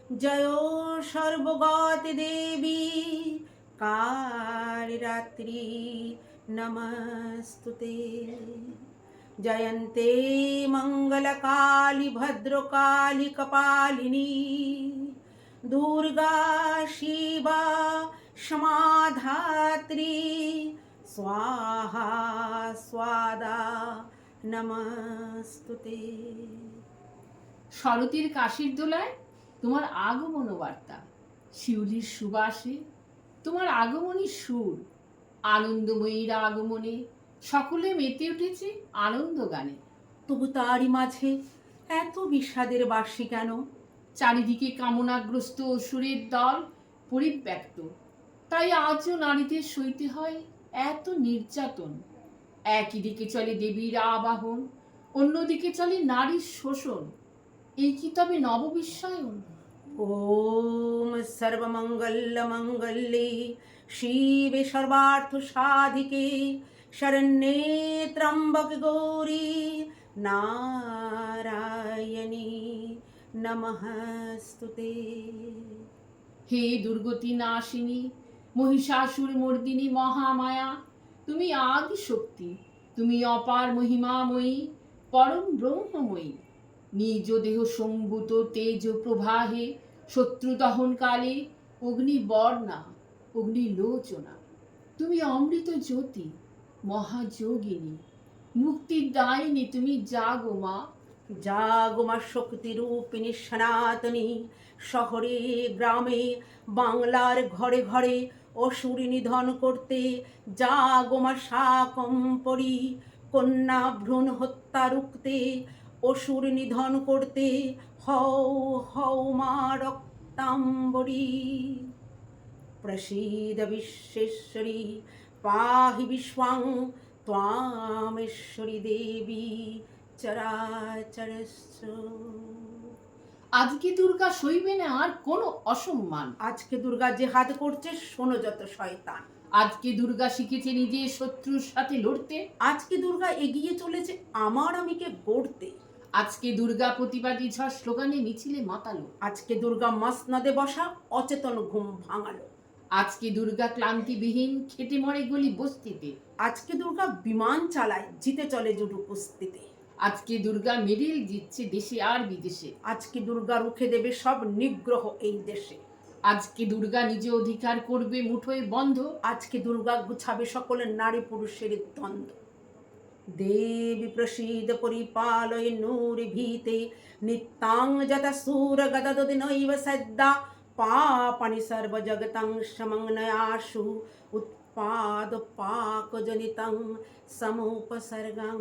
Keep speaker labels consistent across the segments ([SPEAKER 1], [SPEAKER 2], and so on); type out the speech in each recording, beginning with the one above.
[SPEAKER 1] जयो सर्वगति देवी कालरात्रि नमस्तुते। जयन्ते मंगलकाली भद्रकाली कपालिनी दुर्गा शिवा क्षमाधात्री स्वाहा स्वादा नमस्तुते।
[SPEAKER 2] শরতের কাশির দোলায় তোমার আগমন বার্তা, শিউলির সুবাসে তোমার আগমনী সুর, আনন্দময়ীর আগমনে সকলে মেতে উঠেছে আনন্দ গানে।
[SPEAKER 1] তবু তারই মাঝে এত বিষাদের বাসি কেন?
[SPEAKER 2] চারিদিকে কামনাগ্রস্ত অসুরের দল পরিব্যক্ত, তাই আজও নারীদের সইতে হয় এত নির্যাতন। একই দিকে চলে দেবীর আবাহন, অন্যদিকে চলে নারীর শোষণ। এই কি তবে নববিশ্বায়ন?
[SPEAKER 1] ओम सर्वमंगल मंगल्ये शिवे सर्वार्थ साधिके शरण्ये त्र्यंबके गौरी नारायणी नमस्तुते।
[SPEAKER 2] হে দুর্গতি নাশিনী, মহিষাসুর মর্দিনী মহামায়া, তুমি আদি শক্তি, তুমি অপার মহিমাময়ী, পরম ব্রহ্মময়ী। নিজ দেহ সম্ভূত তেজ প্রবাহে শত্রু দহনকালে অগ্নিবর্ণা অগ্নিলোচনা, তুমি অমৃত জ্যোতি মহাযোগিনী, মুক্তির দায়িনী তুমি জাগো মা।
[SPEAKER 1] জাগমা শক্তি রূপিণী সনাতনী, শহরে গ্রামে বাংলার ঘরে ঘরে অসুর নিধন করতে জাগমা শাকম্ভরী, কন্যা ভ্রূণ হত্যা রুখতে অসুর নিধন করতে হও হও মা রক্তাম্বরী। প্রসীদ বিশ্বেশ্বরী পাহি বিশ্বং ত্বামেশ্বরী দেবী চরাচরস্য।
[SPEAKER 2] আজকে দুর্গা সইবে না আর কোনো অসম্মান।
[SPEAKER 1] আজকে দুর্গা যে হাত করছে শোনো যত শয়তান।
[SPEAKER 2] আজকে দুর্গা শিখেছে নিজে শত্রুর সাথে লড়তে।
[SPEAKER 1] আজকে দুর্গা এগিয়ে চলেছে আমার আমিকে গড়তে।
[SPEAKER 2] আজকে দুর্গা প্রতিবাদী ঝড় স্লোগানে মিছিলে মাতালো।
[SPEAKER 1] আজকে দুর্গা মসনদে বসা অচেতন ঘুম ভাঙালো।
[SPEAKER 2] আজকে দুর্গা ক্লান্তিবিহীন খেটে মরে গলি বস্তিতে।
[SPEAKER 1] আজকে দুর্গা বিমান চালায় জিতে চলে জুডু কুস্তিতে।
[SPEAKER 2] আজকে দুর্গা মেডেল জিতছে দেশে আর বিদেশে।
[SPEAKER 1] আজকে দুর্গা রুখে দেবে সব নিগ্রহ এই দেশে।
[SPEAKER 2] আজকে দুর্গা নিজ অধিকার করবে মুঠোয় বন্ধ।
[SPEAKER 1] আজকে দুর্গা গুছাবে সকলের নারী পুরুষের দ্বন্দ্ব। দেবী প্রসীদ পরিপালয় নূরি ভীতে নিত্যাং যতা সুর গদদি নৈব সদ্যা পাপানি সর্ব জগতং সমগ্নয়াসু উৎপাদ পাক জনিতং সমুপসর্গং।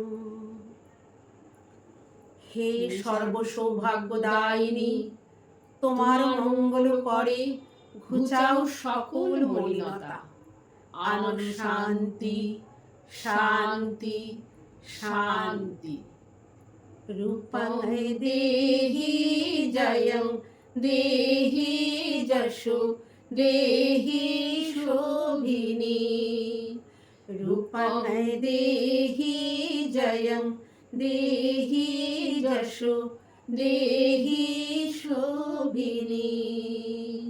[SPEAKER 1] হে সর্ব সৌভাগ্যদায়িনী, তোমার মঙ্গল করে ঘুচাও সকল মলিনতা। আনন্দ শান্তি শান্তি শান্তি। রূপং দেহি জয়ং দেহি যশো দেহি শোভিনী। রূপং দেহি জয়ং দেহি যশো দেহি শোভিনী।